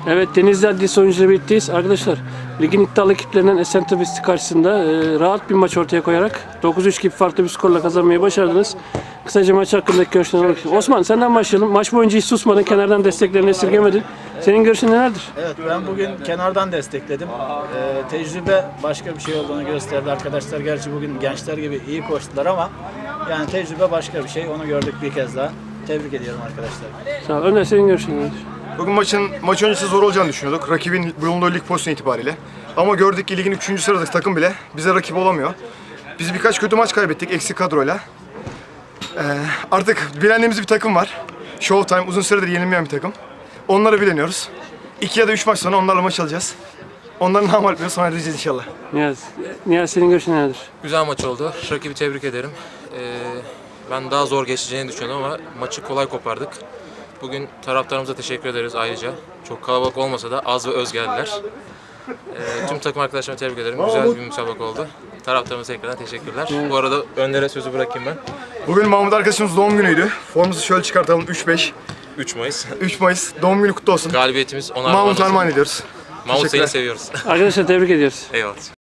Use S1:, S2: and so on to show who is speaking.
S1: Evet, Denizli Adliyesi oyuncuları birlikteyiz. Arkadaşlar, ligin iddialı ekiplerinden Esentepe karşısında rahat bir maç ortaya koyarak 9-3 gibi farklı bir skorla kazanmayı başardınız. Kısaca maç hakkındaki görüşlerini almak istiyorum. Osman, senden başlayalım. Maç boyunca hiç susmadın, kenardan desteklerini esirgemedin. Senin görüşün nelerdir?
S2: Evet, ben bugün kenardan destekledim. Tecrübe başka bir şey olduğunu gösterdi. Arkadaşlar gerçi bugün gençler gibi iyi koştular ama yani tecrübe başka bir şey. Onu gördük bir kez daha. Tebrik ediyorum arkadaşlar.
S1: Sağ ol. Önder, senin görüşün nelerdir?
S3: Bugün maç öncesi zor olacağını düşünüyorduk. Rakibin bulunduğu lig pozisyonu itibariyle. Ama gördük ki ligin 3. sıradaki takım bile bize rakip olamıyor. Biz birkaç kötü maç kaybettik eksik kadroyla. Artık bilendiğimiz bir takım var. Showtime uzun süredir yenilmeyen bir takım. Onları bileniyoruz. 2 ya da 3 maç sonra onlarla maç alacağız. Onları namal etmiyoruz, sonra edeceğiz inşallah.
S1: Niyaz, senin görüşün nelerdir?
S4: Güzel maç oldu. Rakibi tebrik ederim. Ben daha zor geçeceğini düşünüyordum ama maçı kolay kopardık. Bugün taraftarımıza teşekkür ederiz ayrıca. Çok kalabalık olmasa da az ve öz geldiler. Tüm takım arkadaşlarıma tebrik ederim. Güzel bir müsabaka oldu. Taraftarımıza tekrardan teşekkürler. Bu arada Önder'e sözü bırakayım ben.
S3: Bugün Mahmut arkadaşımız doğum günüydü. Formumuzu şöyle çıkartalım, 3-5.
S4: 3 Mayıs.
S3: 3 Mayıs, doğum günü kutlu olsun.
S4: Galibiyetimiz ona
S3: Mahmut
S4: armağan olsun.
S3: armağan ediyoruz.
S4: Mahmut seni
S3: Teşekkürler.
S4: seviyoruz.
S1: Arkadaşlar, tebrik ediyoruz.
S4: Eyvallah.